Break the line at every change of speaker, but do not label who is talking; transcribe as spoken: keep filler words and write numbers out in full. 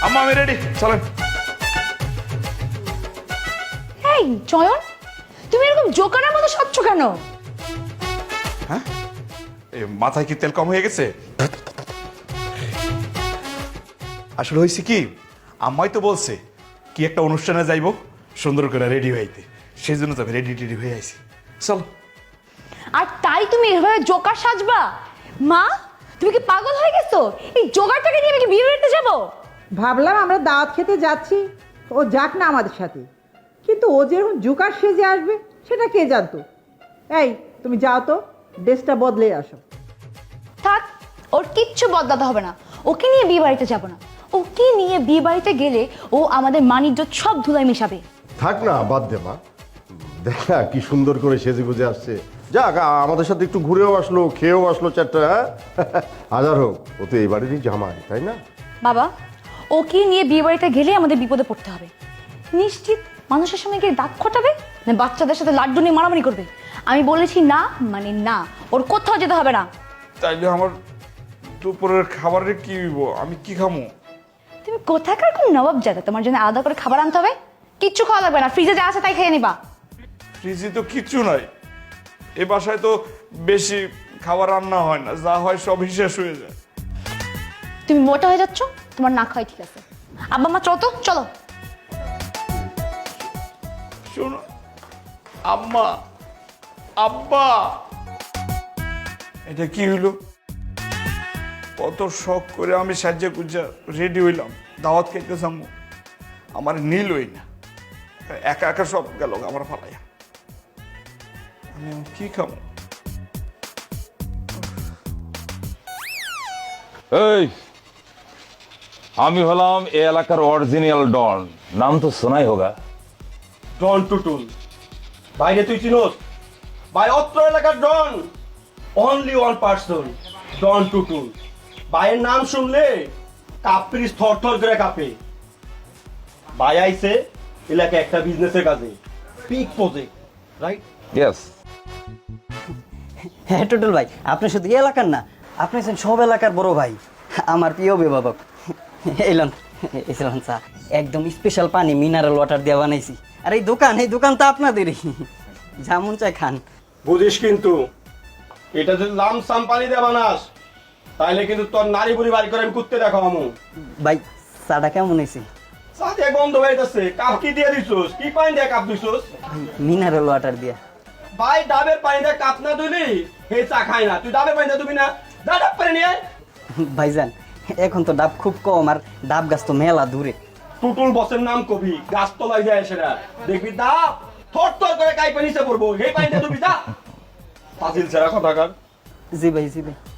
আম্মা আমি রেডি, চলেন।
এই চয়ন, তুমি এরকম জোকারের মতো সাজছো কেন?
হ্যাঁ, এই মাথায় কি তেল কম হয়ে গেছে? আসলে হয়েছে কি, আম্মাই তো বলছে কি একটা অনুষ্ঠানে যাইবো, সুন্দর করে রেডি হইতে, সেই জন্য তো আমি রেডি টেডি হয়ে আইছি। চলো।
আর তাই তুমি এভাবে জোকার সাজবা? মা, তুমি কি পাগল হয়ে গেছো? এই জোকারটাকে নিয়ে আমি কি বিয়ে বাড়িতে যাবো?
ভাবলাম আমরা দাওয়াত খেতে যাচ্ছি, ও যাক না আমাদের সাথে, কিন্তু ও যেরকম জোকার সেজে আসবে সেটা কে জানতো। এই তুমি যাও তো, ড্রেসটা বদলে আসো।
থাক, ওর কিচ্ছু বদলাতে হবে না। ওকে নিয়ে বিয়ে বাড়িতে যাবো না। ওকে নিয়ে বিয়ে বাড়িতে গেলে ও আমাদের মানিজ্য সব ধুলায় মিশাবে।
থাক না, বাদ দে মা। দেখ না কি সুন্দর করে সেজে গুজে আসছে। যাক, আমাদের সাথে একটু ঘুরেও আসলো, খেয়েও আসলো চারটা। হ্যাঁ হাজার হোক, ও তো এই বাড়িরই জামাই, তাই না?
বাবা, ওকে নিয়ে বিয়ে বাড়িতে গেলে আমাদের বিপদে পড়তে হবে। নিশ্চিত মানুষের সঙ্গে গিয়ে দাগ খটাবে না বাচ্চাদের সাথে লাড্ডু নিয়ে মারামারি করবে? আমি বলেছি না মানে না, ওর কোথাও যেতে হবে না।
তাইলে আমার দুপুরের খাবারের কি হইব? আমি কি খামো?
তুমি কোথাকার কোন নবাব জাদা, তোমার জন্য আলাদা করে খাবার আনতে হবে? কিচ্ছু খাওয়া লাগবে না, ফ্রিজে যা আছে তাই খেয়ে নিবা।
ফ্রিজে তো কিচ্ছু নাই, এ বাসায় তো বেশি খাবার রান্না হয় না, যা হয় সব শেষ হয়ে যায়।
তুমি মোটা হয়ে যাচ্ছ, তোমার না খাওয়াই ঠিক আছে। আব্বা মা চলো তো, চলো।
শোনো আম্মা, আব্বা, এটা কি হইলো? কত শখ করে আমি সাজ্জা গুজ্জা রেডি হইলাম, দাওয়াত খাইতে যাবো, আমার নীল হই না, একা একা সব গেল আমার ফালাইয়া। আমি এখন কি খাবো?
এই, আমি হলাম এ এলাকার অরিজিনাল ডন, নাম তো শোনাই হোগা।
ডন টুটুল। বাইরে তুই চিনোস? ভাই অত্র এলাকার don only one person, don Tutul. ভাইয়ের নাম শুনলে কাপ্রিস থর থর করে কাঁপে। ভাই আইছে এলাকায় একটা বিজনেসের কাজে, পিক প্রজেক্ট, রাইট?
ইয়েস।
হ্যাঁ টুটুল ভাই, আপনি শুধু এই এলাকার না, আপনি আছেন সব এলাকার বড় ভাই, আমার প্রিয় অভিভাবক। এলাম এসলাম চা, একদম স্পেশাল পানি মিনারেল ওয়াটার দিয়ে বানাইছি। আর এই দোকান, এই দোকান তো আপনাদেরই, যেমন চাই খান।
বুঝিস কিন্তু এটা যদি লামসাম পানি দিয়ে বানাস তাহলে কিন্তু তোর নারী বুড়ি বাড়ি করে আমি কুত্তে দেখো আমু।
ভাই চাটা কেমন হয়েছে?
সাথে গন্ধ বাইতেছে, কাপ কি দিয়ে দিছস? কি পানি দিয়ে কাপ দিছস?
মিনারেল ওয়াটার দিয়া।
ভাই ডাবের পানি দিয়ে কাপ না ধুলি হে চা খায় না। তুই ডাবের পানি দিয়ে ধুবি না? যা ডাব পানি নিয়ে আয়।
ভাইজান এখন তো ডাব খুব কম, আর ডাব গাছ তো মেলা দূরে।
টুটুল বসের নাম কবি, গাছ তলায় যায় সেটা দেখবি ডাব থর থর করে কাইপে নিচে পড়বো, হে পানি দিয়ে ধুবি যা। ফাজিল ছেড়া কথাকার।
জি ভাই, জি ভাই।